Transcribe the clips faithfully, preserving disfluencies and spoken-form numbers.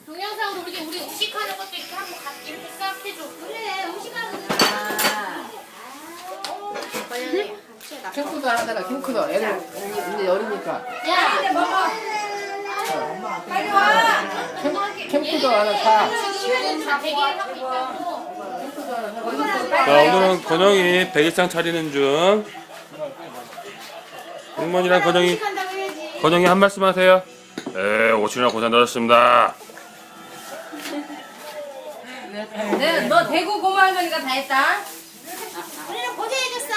동영상으로 우리 우리 음식하는 것도 이렇게 한번 같이 이렇게 싹 해줘. 그래 음식하는 거. 캠프도 하다가 캠프도 애들 이제 어리니까 야, 근데 먹어. 빨리 와. 캠, 캠프도 하나 사. 지금 다 대기하고 있다고. 자, 오늘은 건영이 백일장 차리는 중. 승mon이랑 건영이, 건영이 한 말씀 하세요. 네, 오시느라 고생 많으셨습니다. 네, 너 대구 고마워하니까 다 했다. 우리는 고생해줬어.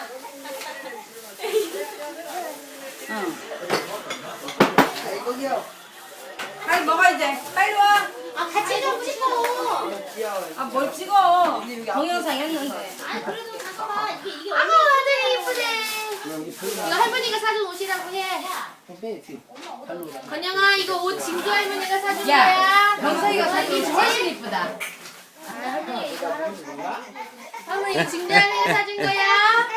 빨리 먹어 이제. 빨리 와. 아 같이 좀 찍어. 아 뭘 찍어? 동영상 했는데. 아 그래도 잠깐만 이게 이게. 아가 되게 이쁘네. 이거 할머니가 사준 옷이라고 해. 건영아 이거 옷 진규 할머니가 사준 야, 거야. 병석이가 사진 훨씬 이쁘다. 할머니 진규 할머니가 사준 거야.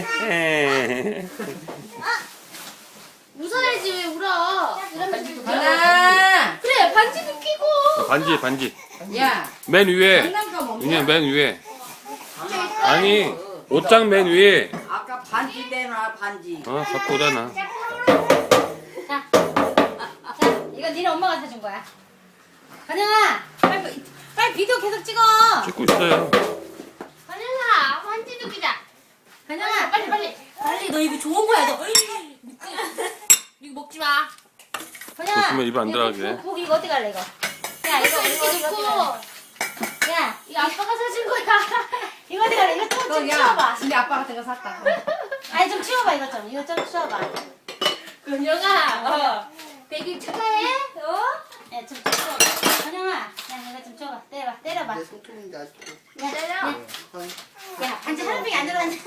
웃어야지 왜 울어? 이러면 하나. 그래 반지도 끼고. 반지, 반지. 야, 맨 위에. 장난감 없냐? 윤희야, 맨 위에. 아니, 옷장 맨 위에. 아까 반지 내놔 반지. 어, 갖고 오잖아. 자, 자 이거 니네 엄마가 사준 거야. 건영아 빨리 빨리 비디오 계속 찍어. 찍고 있어요. 건영아 반지도 끼자. 건영아 빨리 빨리 빨리 너 이거 좋은 거야 너. 이거 먹지 마. 건영아 조심해, 입에 안 들어가게. 이거 국 이거 어디 갈래 이거? 야 이거 이거 넣고. 야 이거 아빠가 사준 거야. 이거 어디 갈래? 이거 좀, 좀 어, 야, 치워봐. 근데 아빠 같은 거 샀다. 아니 좀 치워봐 이거 좀 이거 좀 치워봐. 건영아 어 백일 축하해. 어? 야좀 치워봐. 건영아 야 이거 좀 치워봐. 때려봐 때려봐. 내 손톱인데 아직도. 야, 야, 야, 반지 하는 빙이 안 들어갔네.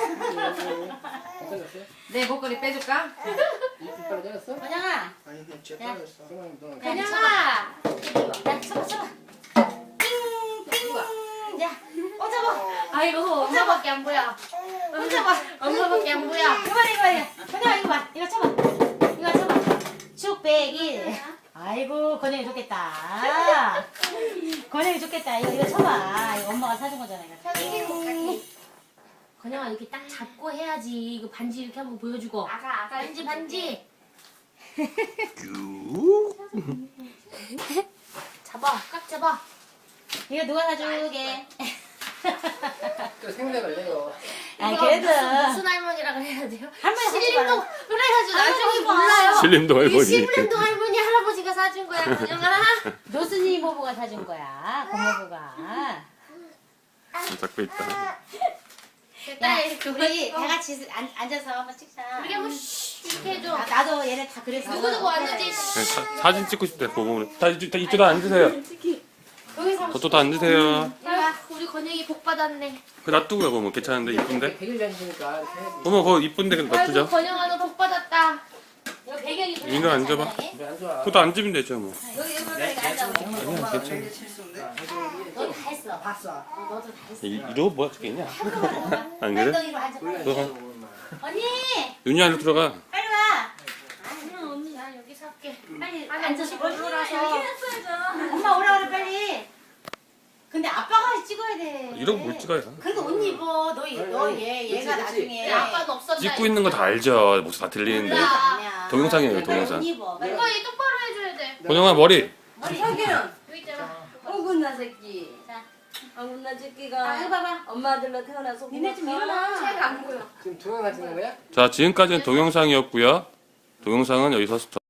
내 목걸이 빼줄까? 이빨 잘랐어? 건영아, 아니 그냥 쥐어 떨어졌어. 그럼 너 건영아, 야, 쳐봐, 쳐봐. 띵, 띵. 야, 어 잡아. 아이고, 엄마밖에 안 보여. 어 잡아. 엄마밖에 안 보여. 이거 봐, 이거 봐, 이거. 건영아, 이거 봐. 이거 쳐봐. 이거 쳐봐. 축백일. 아이고, 건영이 좋겠다. 건영이 좋겠다. 이거 이거 쳐봐. 이거 엄마가 사준 거잖아. 이거. 건영아 이렇게 딱 잡고 해야지. 이거 반지 이렇게 한번 보여주고. 아가 아가 반지 반지. 잡아 꽉 잡아. 이거 누가 사주게? 또 생각을 내요. 아 그래도 무슨 할머니라 그래야 돼요? 할머니 신림동 그래가지고 나중에 몰라요. 신림동 할머니. 신림동 할머니 할아버지가 사준 거야 건영아. 노순이 모부가 사준 거야. 고모부가. 잡고 있다. 됐다. 우리 다 같이 앉, 앉아서 한번 찍자. 우리 한번 쉬 이렇게 해줘. 나, 나도 얘네 다 그랬어. 누구 누구 왔는지. 네, 사, 사진 찍고 싶대, 보고. 다 이쪽, 다 이쪽으로 앉으세요. 저쪽 다 앉으세요. 야, 우리 건영이 복 받았네. 그 놔두고 가고 뭐 괜찮은데, 이쁜데? 백일 전이니까 이렇게 해야지. 어머, 그거 이쁜데 그냥 아이고 놔두자. 건영아 너 복 받았다. 이거 배경이 인간 앉아봐. 왜안 좋아? 그것도 앉으면 되죠, 뭐. 여기 여기 여기 앉아. 아니야, 괜찮아. 너도 다 했어. 봤어. 어, 너도 다 했어. 이, 이러고 뭐가 죽겠냐? 안 그래? 엉덩이로 앉아. 들어가. 언니 윤희 안으로 들어가. 빨리 와. 아니야 언니 나 여기서 할게. 빨리 앉아서 얼굴라서. 엄마 오라 그래 빨리. 근데 아빠가 찍어야 돼. 이러고 뭘 찍어요? 그래도 옷 입어. 너너얘 얘가 그치, 그치. 나중에. 아빠는 없었나? 찍고 있는 거 다 알죠. 목소리 다 들리는데. 몰라. 동영상이에요, 동영상. 옷 입어. 이거 얘 똑바로 해줘야 돼. 권영아, 머리. 자기는 여기 있잖아. 어긋나 새끼. 자, 어긋나 아 새끼가 이거 봐봐. 엄마 아들로 태어나서 니네 좀 일어나. 잘 안 보여. 지금 동영상 찍는 거야? 자, 지금까지는 동영상이었고요. 동영상은 여기서 스톱.